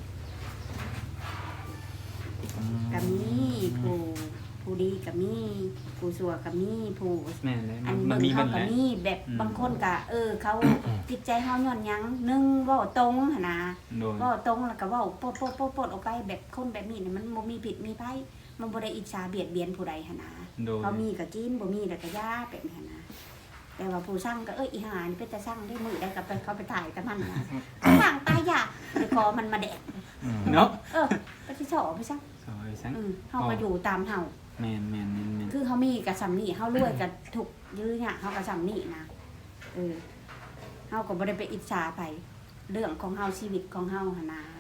S1: ก็มีผู้ดีก็มีผู้ชั่วก็มีผู้
S4: แม่นเลย
S1: อัน
S4: มัน
S1: เบิ่ง
S4: มี
S1: เขา
S4: เบิ่น
S1: ก็
S4: แหละ
S1: มีแบบ
S4: อืม
S1: บางคนก็เขาจิตใจเฮาย้อนหยังหนึงเว้าตรงหั่นนะ
S4: โดย
S1: เว้าตรงแล้วก็เว้าโปดออกไปแบบคนแบบนี้นี่มันบ่มีผิดมีภัยมันบ่ได้อิจฉาเบียดเบียนผู้ใดหั่นนะ
S4: โดย
S1: เขามีก็กินบ่มีแล้วก็ย่าแบบนี้หั่นนะแต่ว่าผู้สร้างก็อีหานี่เป็นตาสร้างได้มื้อใดก็ไปเขาไปถ่ายกับมันนะสร้างตายยากไปขอมันมาแดก
S4: เนาะ
S1: ไปสิชอบไปซะ
S4: ซอยซัง
S1: เฮาก็อยู่ตามเฮา
S4: แม่นๆ
S1: คือเขามีกับสำนีเขารวยกับถูกยื้อเนี่ยเขากับสำนีนะเขาก็บ่ได้ไปอิจฉาไปเรื่องของเฮาชีวิตของเฮาหนนะ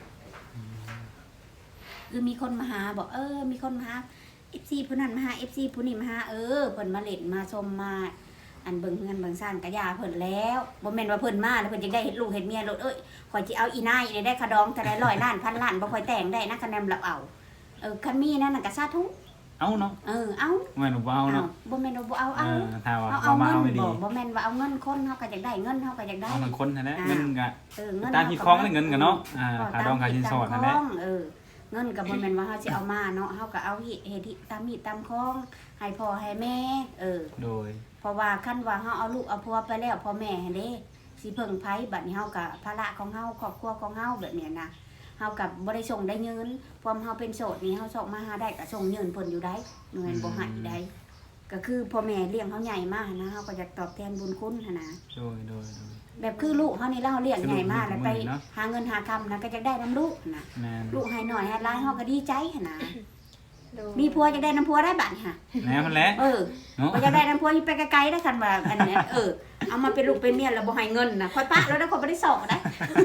S1: คือมีคนมาหาบอกมีคนมาหา FC ผู้นั้นมาหา FC ผู้นี้มาหาเพิ่นมาเล่นมาชมมาอันเบิ่งเฮือนเบิ่งซ่านกะยาเพิ่นแล้วบ่แม่นว่าเพิ่นมาแล้วเพิ่นจะได้เฮ็ดลูกเฮ็ดเมียโลดข่อยสิเอาอีนายนี่ได้คะดองแต่ได้100 ล้านพันล้านบ่ค่อยแต่งได้นะคะแนนรับเอาคันมีนั่นน่ะก็สาธุ
S4: ๆเอาเนาะ
S1: เอา
S4: แม่นบ่เอาเนาะ
S1: บ่แม่นว่าบ่เอา
S4: ถ้าว่า
S1: เอา
S4: มา
S1: เงิ
S4: เอา
S1: น
S4: ไม่ดี
S1: บ่แม่นว่าเอาเงินคนเฮาก็อยากได้เงินเฮาก็อยากได้
S4: เอามันคนนั่นแหละเงินก็
S1: เงิน
S4: ตามที่คล้องเงินกันเนาะค่าดองค่าสินสอดนั่นแหละ
S1: เงินก็บ่แม่นว่าเฮาสิเอามาเนาะเฮาก็เอาเฮ็ดตามมีตามคล้องให้พ่อให้แม่
S4: โดย
S1: เพราะว่าคันว่าเฮาเอาลูกเอาผัวไปแล้วพ่อแม่หั่นเด้สิเพิ่งไผบัดนี้เฮาก็ภาระของเฮาครอบครัวของเฮาแบบนี้นะเฮาก็บ่ได้ส่งได้เงินพอเฮาเป็นโสดนี่เฮาส่งมาหาได้ก็ส่งเงินเพิ่นอยู่ได้เงินบ่ให้ได้ก็คือพ่อแม่เลี้ยงเฮาใหญ่มานะเฮาก็อยากตอบแทนบุญคุณหั่นนะ
S4: โดย
S1: แบบคือลูกเฮานี่เล่าเลี้ยงใหญ่มากแล้วไป
S4: เนาะ
S1: หาเงินหาคำนะก็จะได้น้ำลูกนะ
S4: แม่น
S1: ลูกให้หน่อยให้ร้ายเฮาก็ดีใจหั่นนะ
S3: โดย
S1: มีผัวจะได้น้ำผัวได้บัดนี่ค่ะ
S4: แม่นแหละ เนาะ
S1: บ่จะได้น้ำผัวอยู่ไปไกลๆได้คันว่าอันเนี้ยเอามาเป็นลูกเป็นเมียแล้วบ่ให้เงินนะค่อยปะแล้วได้คนบ่ได้สอกได้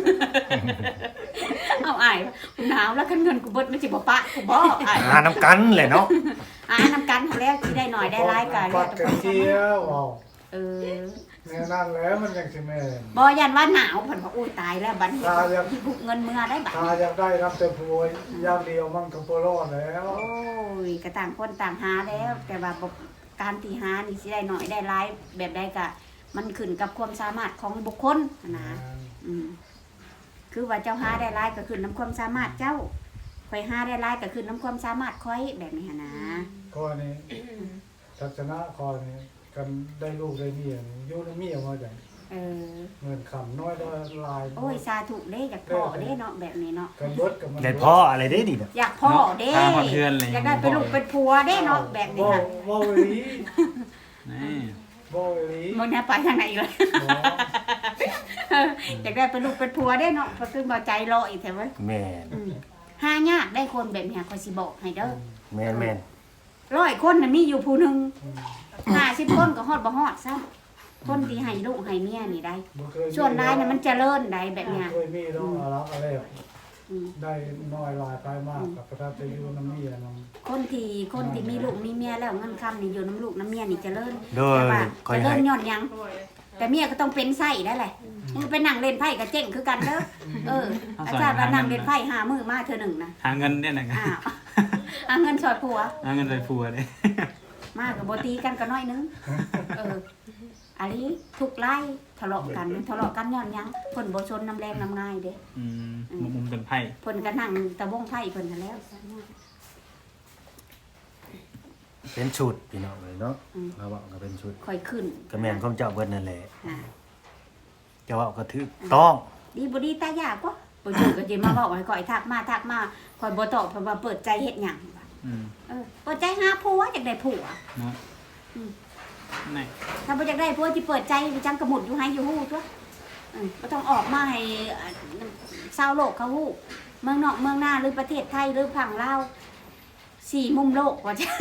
S1: เอาอ้ายกูหนาวแล้วคันเงินกูเบิดมันสิบ่ปะกูบ่อ้าย
S2: หาน้ำกันแหละเนาะ
S1: นำกันหั้นแล้วสิได้หน่อยได้หลายก็
S6: ปั
S1: แล้ว
S6: ด
S1: แต่
S6: กระ
S1: คน
S6: เจียวเอา
S1: เออ
S6: แน่นั่นแล้วมันยังสิแม่น
S1: บ่ยันว่าหนาวเพิ่นว่าอุ้ยตายแล้วบัดนี้บุกเงินเมื่อได้บัด
S6: ถ้าอยากได้รับแต่ผัวอย่างเดียวมันก็บ่รอดแล้ว
S1: โอ้ยก็ต่างคนต่างหาแล้ว แต่ว่าการที่หานี่สิได้หน่อยได้หลายแบบใดก็มันขึ้นกับความสามารถของบุคคลนะคือว่าเจ้าหาได้หลายก็ขึ้นน้ำความสามารถเจ้าข่อยหาได้หลายก็ขึ้นน้ำความสามารถข่อยแบบนี้หั้นนะ
S6: ข้อนี้ทัศนะข้อนี้กันได้ลูกได้เมียนี่อยู่ในเมียมาจัง
S1: เออ
S6: เงินคำน้อยได้ลาย
S1: โอ้ยสาธุเด้อยากพ่อเด้เนาะแบบนี้เนาะ
S6: กันเบิดกับมัน
S2: ได้พ่ออะไรได้ดิเนาะ
S1: อยากพ่อเด้
S4: ตามมาเพื่อนเลย
S1: อยากได้เป็นลูกเป็นผัวเด้เนาะแบบนี้ค่ะ
S6: บ่อีหลี
S4: นี่
S6: บ่อีหลี
S1: มึงเนี่ยไปทางไหนอีกเลย
S6: บ่
S1: อยากได้เป็นลูกเป็นผัวเด้เนาะเพราะคือบ่ใจรออีกแท้เว้ย
S2: แม่น
S1: หายากได้คนแบบนี้ข่อยสิบอกให้เด้อ
S2: แม่น
S1: 100 คนน่ะมีอยู่ผู้หนึง50 คนก็ฮอดบ่ฮอดซะคนที่ให้ลูกให้เมียนี่ได้
S6: บ่เคยมี
S1: ส่วนรายน่ะมันเจริญได้แบบเนี้ย
S6: เคยมีต้องอารักอะไร
S1: อืม
S6: ได้น้อยลายไปมากกับประทับใจอยู่น้ำเมียน้ำ
S1: คนที่มีลูกมีเมียแล้วเงินคำนี่อยู่น้ำลูกน้ำเมียนี่เจริญ
S2: โดย
S1: แต่ว่า
S2: คอย
S1: เจริ
S2: ให้
S1: ญย้อนหยัง แต่เมียก็ต้องเป็นไส้ได้แหละมึงไปนั่งเล่นไพ่กับเจ๊งคือกันเด้ออาจารย์ว่านั่งเล่นไพ่5 มื้อมาเธอหนึ่งนะ
S4: หาเงินเนี่ยนะ
S1: อ้าวเอาเงินสอดผัว
S4: หาเงินใส่ผัวเด้
S1: มากกับโบตีกันก็น้อยนึงอันนี้ทุกไล่ทะเลาะกันย้อนหยังเพิ่นบ่ชนน้ำแรงน้ำง่ายเด้
S4: มุมเป็นไพ่
S1: เพิ่นก็นั่งตะวงไพ่เพิ่นนั่นแล้ว
S2: เป็นชุดพี่น้องเลยเนาะเราบอกก็เป็นชุด
S1: ค่อยขึ้น
S2: ก็แม่นของเจ้าเบิดนั่นแหละ
S1: อ่า
S2: จะว่าก็ถูกต้อง
S1: ดีบ่ดีตายากกว่าบ่จือก็สิมาเว้าให้ข่อยทักมาข่อยบ่ตอบเพราะว่าเปิดใจเฮ็ดหยังว่ะ
S4: อืม
S1: เปิดใจหาผัวอยากได้ผัว
S4: เนาะ
S1: อืม
S4: นี่
S1: ถ้าบ่อยากได้ผัวสิเปิดใจไปจังกระหมุดอยู่ให้อยู่ฮู้ตัวบ่ต้องออกมาให้ชาวโลกเขาฮู้เมืองนอกเมืองนาหรือประเทศไทยหรือฝั่งลาว4มุมโลกว่าจ้ะ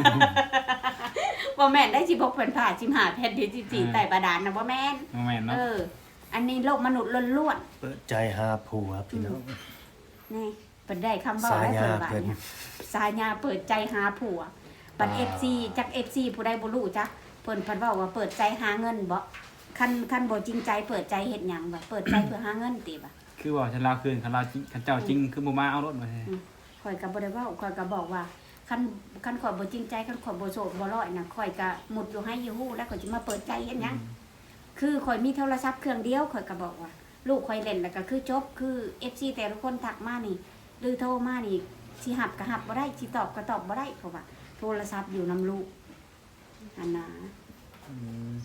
S1: บ่แม่นได้16แผ่นผ่า15แผ่นที่14ใต้บาดาลน่ะบ่แม่น
S4: โมเมนต์เนาะ
S1: อันนี้โลกมนุษย์ล้วน
S2: เปิดใจหาผัวพี่น้อง
S1: ๆนี่เพิ่นได้คำเว้า
S2: สา
S1: ได้
S2: ญา
S1: เพิ่นว่า
S2: เพิ่น
S1: เนี่ยสาญาเปิดใจหาผัวปัด FC จัก FC ผู้ใดบ่รู้จักเพิ่นเว้าว่าเปิดใจหาเงินบ่คันบ่จริงใจเปิดใจเฮ็ดหยังบ่เปิดใจเพื่อหาเงินติบ่
S4: คือว่าฉันลาวคืนคันลาวจริงคันเจ้าจริงคือบ่มาเอารถมาให้
S1: ข่อยก็บ่ได้เว้าข่อยก็บอกว่าคันข่อยบ่จริงใจคันข่อยบ่โสดบ่ร้อยน่ะข่อยก็หมุดอยู่ให้อยู่ฮู้แล้วข่อยสิมาเปิดใจเฮ็ดหยังคือข่อยมีโทรศัพท์เครื่องเดียวข่อยก็บอกว่าลูกข่อยเล่นแล้วก็คือจบคือ FC แต่ละคนทักมานี่หรือโทรมานี่สิหับก็หับบ่ได้สิตอบก็ตอบบ่ได้เพราะว่าโทรศัพท์อยู่นํลูกอันน่ะ
S4: อืม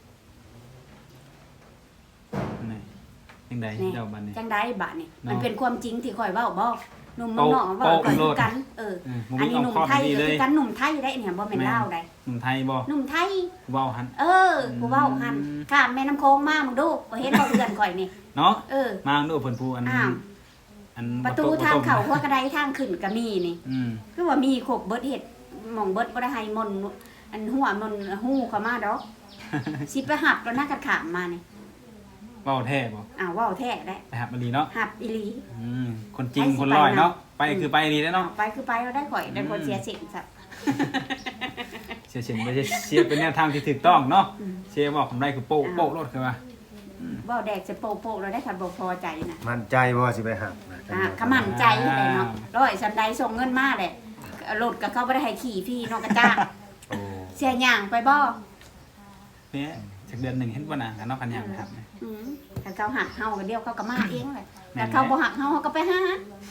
S4: นี่จังได
S1: นี่
S4: เจ้าบัดนี้
S1: จังได๋บาดนี่
S4: เนาะ
S1: มันเป็นความจริงที่ข่อยเว้าบ่หนุ่มเมืองนอกเว้าข่อยคือกัน
S4: บ่
S1: อัน
S4: มี
S1: นี้
S4: เอา
S1: หนุ่ม
S4: ข้อ
S1: ไทย
S4: ดี
S1: ก็
S4: เล
S1: คื
S4: ย
S1: อกันหนุ่มไทยได้เนี่ยบ่แม่นลาวได้
S4: หนุ่มไทยบ่
S1: หนุ่มไทย
S4: เว้าหัน
S1: ผู้เว้าหันข้ามแม่น้ำโค้งมามึงดูบ่เห็นบ่เพื่อนข่อยนี่
S4: เนาะ
S1: มา
S4: ดูเพิ่นผู้อัน
S1: อ้าว
S4: อัน
S1: ประตูทางเข้าหัวกระไดทางขึ้นก็มีนี่
S4: อืม
S1: คือว่ามีครบเบิดเฮ็ดหม่องเบิดบ่ได้ให้มนต์อันหัวมนต์ฮู้เข้ามาดอกสิไปหับแล้วนะกัดขามมานี่
S4: เว้าแท้บ่
S1: อ้าวเว้าแท้ได้
S4: ไปหับมาดีเนาะ
S1: หับอีหลี
S4: อืมคนจริงคนร้อยเนาะไปคือไปดีแล้วเนาะ
S1: ไปคือไปแล้วได้ข่อยได้คนเสียสิทธิ์ซะ
S4: เสียเสียไม่ใช่เสียเป็นแนวทางที่ถูกต้องเนาะเสียบอกผมได้คือโป๊ะโป๊ะรถคือว่า
S1: เว้าแดกจะโปะๆแล้วได้คันบ่พอใจนะ
S2: มั่นใจว่าสิไปหักนะ
S1: ขมั่นใจเลยเนาะร้อยสันใดส่งเงินมาเลยรถก็เขาบ่ได้ให้ขี่พี่เนาะกระจ้าง
S2: โอ้
S1: เสียหย่างไปบ่
S4: เนี่ยจากเดือนหนึ่งเห็นบ่นะกันเนาะกันยังครับ
S1: ถ้าเขาหักเฮาก็เดียวเขาก็มาเองเลยแต่เขาบ่หักเฮาเขาก็ไปหา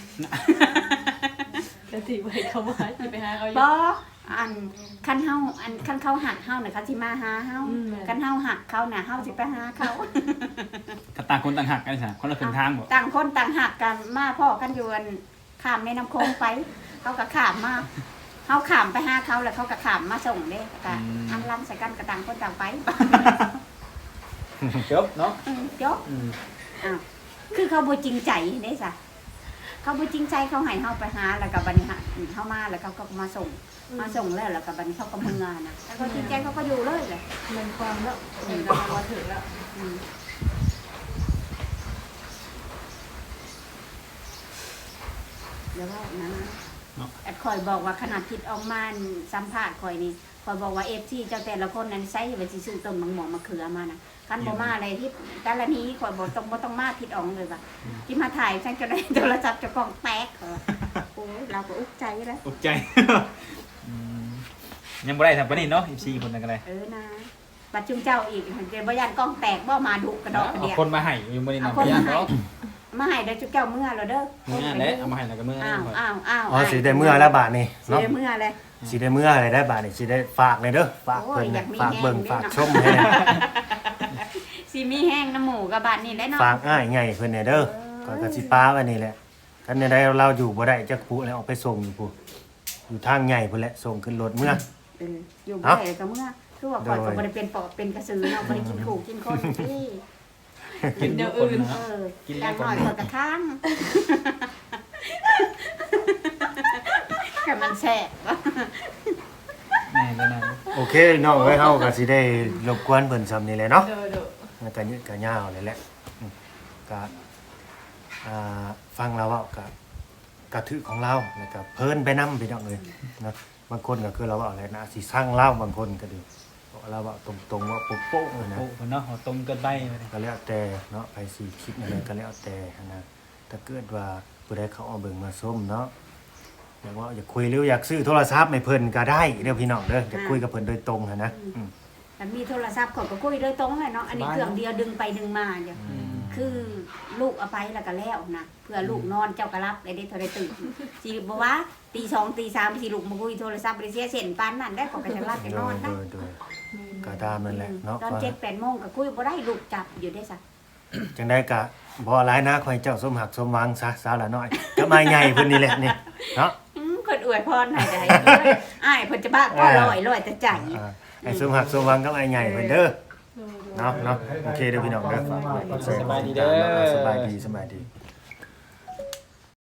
S5: จะสิไปเขามาสิไปหาเขาอยู่
S1: บ่อันคันเฮาอันคันเขาหักเฮาน่ะเขาสิมาหาเฮาคันเฮาหักเขาน่ะเฮาสิไปหาเขา
S4: ถ้าต่างคนต่างหักกันใช่คนละครึ่งทางบ่
S1: ต่างคนต่างหักกันมาพ่อกันอยู่อันข้ามแม่น้ำโขงไป เขาก็ข้ามมาเฮาข้ามไปหาเขาแล้วเขาก็ข้ามมาส่งเด้ก็อันลังใส่กันก็ต่างคนต่างไป
S4: จบเนาะ
S1: จบอ้าวคือเขาบ่จริงใจเด้ซะเขาบ่จริงใจเขาให้เฮาไปหาแล้วก็บัดนี้เฮามาแล้วเขาก็มาส่งแล้วก็บัดนี้เขาก็มึงงานน่ะแล้วก็จริงใจเขาก็อยู่เลยแหละ
S5: มันความแล้วเห็นกันมาถึงแล้ว
S1: อืมเดี๋ยวว่านะแอดคอยบอกว่าขนาดคิดออกมาสัมภาษณ์คอยนี่คอยบอกว่า FT เจ้าแต่ละคนนั้นใช้ไปสิซื้อต้นมะม่วงมะเขือมานะคันบ่มาอะไรที่แต่ละนี้คอยบอกบ่ต้องมาผิดออกเลยว่ะที่มาถ่ายฉันจะได้โทรศัพท์จะกล้องแตกเหรอโอ้ยเราก็อุกใจแล้ว
S4: ตกใจยังบ่ได้ทำปานนี้เนาะ14คนนั่นก็ได้
S1: นะปัจจุบันเจ้าอีกเดี๋ยวบ่ยันกล้องแตกบ่มาดุกระดอกกระ
S4: เอา
S1: เดีย
S4: คนมาให้อยู่บ่ได้นำ
S1: เอาคน
S4: ยา
S1: มาให้
S4: เนาะ
S1: มาให้เดี๋ยวจุเจ้าเมื่อแล้วเด้อ
S4: มื้อแหละเอามาให้แล้วก็มื้อ
S1: อ้าว
S4: ก่อน
S1: อ้าว
S2: อ๋อสิได้เมื่อแล้วบาทนี่
S1: สิ
S2: เนาะ
S1: ได้เมื่อเลย
S2: สิได้เมื่ออะไรได้บาทนี่สิได้ฝากเลยเด้อฝากเพิ่น
S1: โอ้ยอยา
S2: นะ
S1: กมี
S2: ฝากเบิ่ง
S1: แห้ง
S2: ฝาก
S1: ด้วยเนาะ
S2: ชมให้นะ
S1: สิมีแห้งน้ำหมูกับบาดนี่แหละเนาะ
S2: ฝากอ้ายใหญ่เพิ่นเนี่ยเด้อก็กสิป้าไว้นี่แหละคันใดเราอยู่บ่ได้จักผู้แล้วออกไปส่งอยู่ผู้อยู่ทางใหญ่พุ่นแหละส่งขึ้นรถเมื่อ
S1: อยู่บ่ได้ก็เมื่อคือว่าก่อนก็บ่ได้เป็นปอบเป็นกระสือเนาะบ่ได้กินขู่กินคนที่
S4: กินเดี๋ยวอื่น กินแล้
S1: แล้ว ว
S4: ก่
S1: ก่
S4: อ
S1: อน นก็ค้างก็มันแซ่บ
S4: แม่แล้วนะ
S2: โอเคน้องเอ้ยเฮาก็สิได้รบกวนเพิ่นซ้ำนี่แหละเนาะ
S5: เด้อ
S2: มันก็ยืดก็ยาวเลยแหละก็ฟังเราเว้าก็กระถือของเราแล้วก็เพลินไปนำพี่น้องเอ้ยเนาะบางคนก็คือเราเว้าอะไรนะสิสร้างเล่าบางคนก็ดีบอกเราเว้าตรงๆว่าโป๊ะๆเลยนะ
S4: โอ้เพิ่นเนาะเอาตรงเกินไปเลย
S2: ก็แล้วแต่เนาะไปสิคิดอะไรก็แล้วแต่นะถ้าเกิดว่าผู้ใดเขาเอาเบิ่งมาส้มเนาะอยากว่าอยากคุยหรืออยากซื้อโทรศัพท์ให้เพิ่นก็ได้เด้อพี่น้องเด้ออยากคุยกับเพิ่นโดยตรงหั้นนะอืม
S1: มันมีโทรศัพท์เขาก็คุยโดยตรงเลยเนาะอันนี้เครื่องเดียวดึงไปดึงมาเดี๋ยวคือลูกเอาไปแล้วก็แล้วนะเพื่อลูกนอนเจ้าก็รับได้โทรได้ตื่นสิบ่ว่าตี2ตี3สิลูกมาคุยโทรศัพท์บ่ได้เสียเส้นปานนั้นได้ก็จะรับจะนอนนะ
S2: โดยก็ตามนั่นแหละเนาะ
S1: ตอน7-8โมงก็คุยบ่ได้ลูกจับอยู่ได้ซะ
S2: จังได้กะบ่หลายนะขอให้เจ้าสมหักสมหวังซะสาวละน้อยกับอ้ายใหญ่เพิ่นนี่แหละนี่เนาะ
S1: เพิ่นอวยพรให้ได้อ้ายเพิ่นจะบ้าก็ลอยแต่ใจ
S2: ให้สมหักสมหวังกับอ้ายใหญ่เพิ่นเด้อเนาะโอเคเด้อพี่น้องเด้อ
S4: สบายดีเด้อ
S2: สบายดี